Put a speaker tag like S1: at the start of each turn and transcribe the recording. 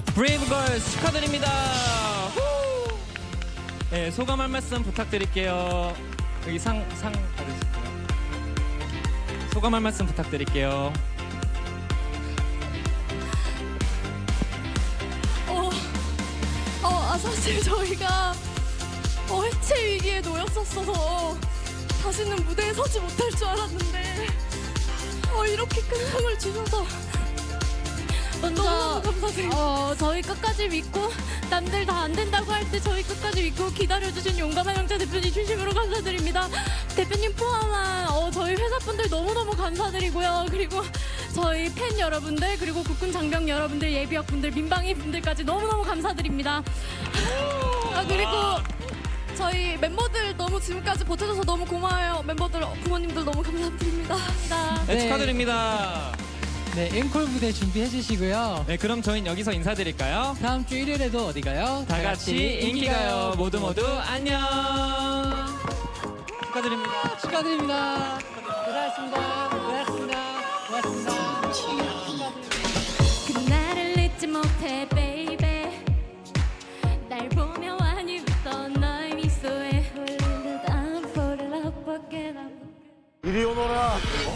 S1: 브레이브걸스 축하드립니다. 후! 네, 소감 한 말씀 부탁드릴게요. 여기 상 받으실게요. 소감 한 말씀 부탁드릴게요.
S2: 사실 저희가 해체 위기에 놓였었어서 다시는 무대에 서지 못할 줄 알았는데 이렇게 큰 상을 주셔서
S3: 먼저
S2: 너무 감사드립니다.
S3: 저희 끝까지 믿고 남들 다 안 된다고 할 때 저희 끝까지 믿고 기다려주신 용감한 형제 대표님 진심으로 감사드립니다. 대표님 포함한 저희 회사분들 너무너무 감사드리고요. 그리고 저희 팬 여러분들 그리고 국군 장병 여러분들 예비역분들 민방위 분들까지 너무너무 감사드립니다.
S2: 그리고 저희 멤버들 너무 지금까지 버텨줘서 너무 고마워요. 멤버들 부모님들 너무 감사드립니다.
S1: 네,
S4: 네.
S1: 축하드립니다.
S4: 네, 앵콜 무대 준비해 주시고요.
S1: 네, 그럼 저희는 여기서 인사드릴까요?
S4: 다음 주 일요일에도 어디 가요?
S1: 다 같이 인기가요. 모두 안녕. 축하드립니다.
S4: 축하드립니다. 고생하셨습니다. 고생하셨습니다. 고맙습니다.
S3: 그날을 잊지 못해 baby 날 보며 많이 웃던 너의 미소에 홀린 듯 I'm falling love again.
S5: 이리 오너라.